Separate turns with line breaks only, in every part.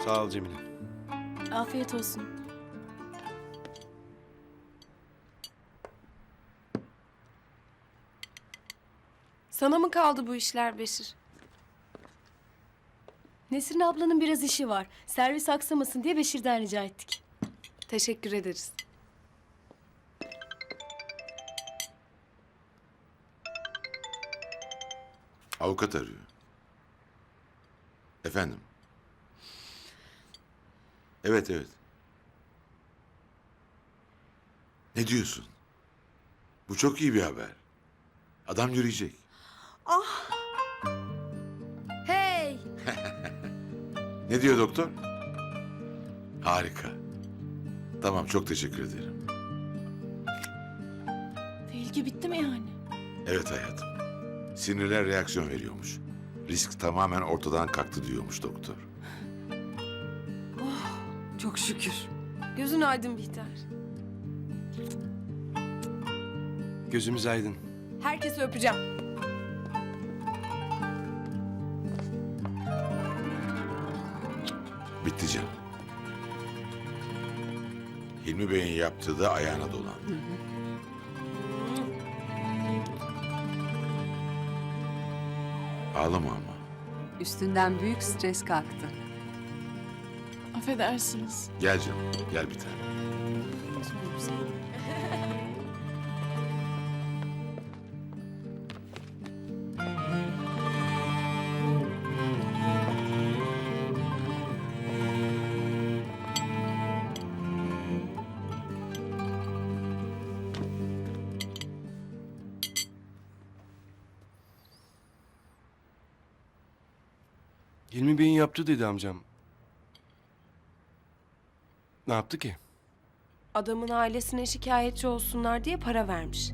Sağ ol Cemile.
Afiyet olsun.
Sana mı kaldı bu işler Beşir?
Nesrin ablanın biraz işi var. Servis aksamasın diye Beşir'den rica ettik.
Teşekkür ederiz.
Avukat arıyor. Efendim? Evet, evet. Ne diyorsun? Bu çok iyi bir haber. Adam yürüyecek.
Hey!
Ne diyor doktor? Harika. Tamam, çok teşekkür ederim.
Tehlike bitti mi yani?
Evet hayatım. Sinirler reaksiyon veriyormuş. Risk tamamen ortadan kalktı diyormuş doktor.
Çok şükür.
Gözün aydın Bihter.
Gözümüz aydın.
Herkesi öpeceğim.
Bitti canım. Hilmi Bey'in yaptığı da ayağına dolan. Ağlama ama.
Üstünden büyük stres kalktı.
Affedersiniz.
Gel canım, gel bir tane.
Hilmi Bey'in yaptı dedi amcam. Ne yaptı ki?
Adamın ailesine şikayetçi olsunlar diye para vermiş.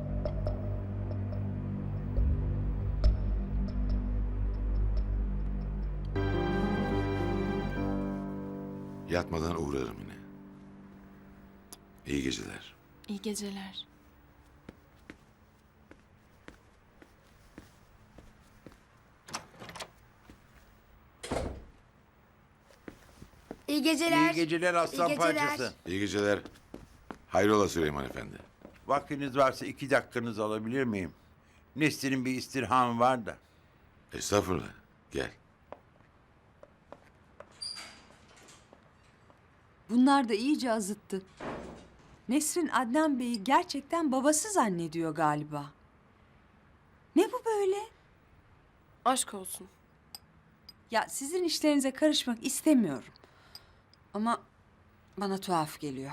Yatmadan uğrarım yine. İyi geceler.
İyi geceler.
İyi geceler.
İyi geceler aslan
İyi geceler.
parçası.
İyi geceler. Hayrola Süleyman Efendi.
Vaktiniz varsa 2 dakikanızı alabilir miyim? Nesrin'in bir istirhamı var da.
Estağfurullah. Gel.
Bunlar da iyice azıttı. Nesrin Adnan Bey'i gerçekten babası zannediyor galiba. Ne bu böyle?
Aşk olsun.
Ya sizin işlerinize karışmak istemiyorum. Ama bana tuhaf geliyor.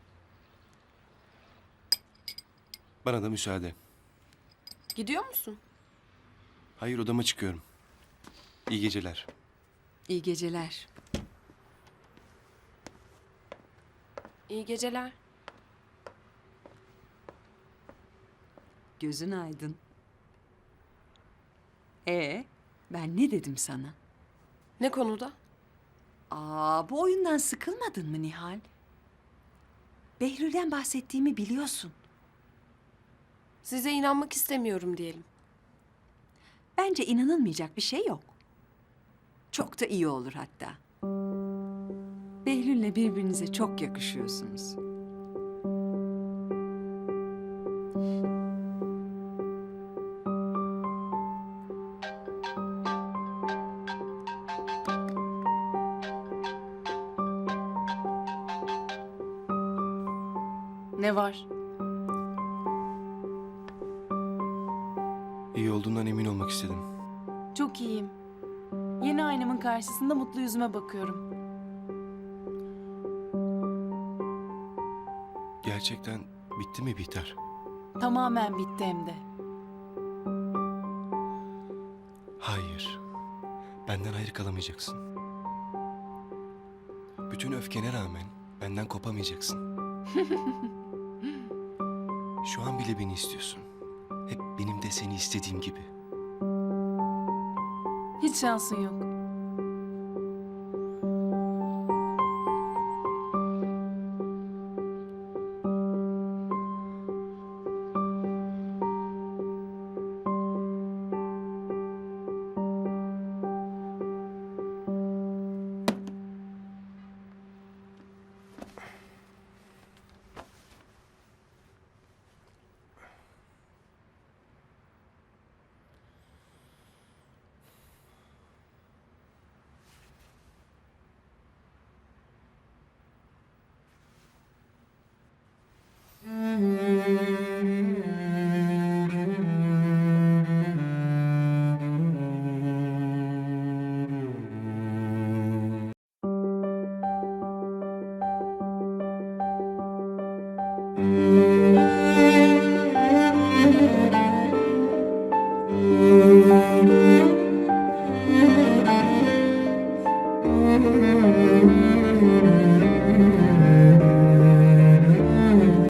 Bana da müsaade.
Gidiyor musun?
Hayır, odama çıkıyorum. İyi geceler.
İyi geceler.
İyi geceler.
Gözün aydın. Ben ne dedim sana?
Ne konuda?
Bu oyundan sıkılmadın mı Nihal? Behlül'den bahsettiğimi biliyorsun.
Size inanmak istemiyorum diyelim.
Bence inanılmayacak bir şey yok. Çok da iyi olur hatta. Behlül'le birbirinize çok yakışıyorsunuz.
Ne var?
İyi olduğundan emin olmak istedim.
Çok iyiyim. Yeni aynamın karşısında mutlu yüzüme bakıyorum.
Gerçekten bitti mi Bihter?
Tamamen bitti hem de.
Hayır. Benden ayrı kalamayacaksın. Bütün öfkene rağmen benden kopamayacaksın. Şu an bile beni istiyorsun. Hep benim de seni istediğim gibi.
Hiç şansın yok.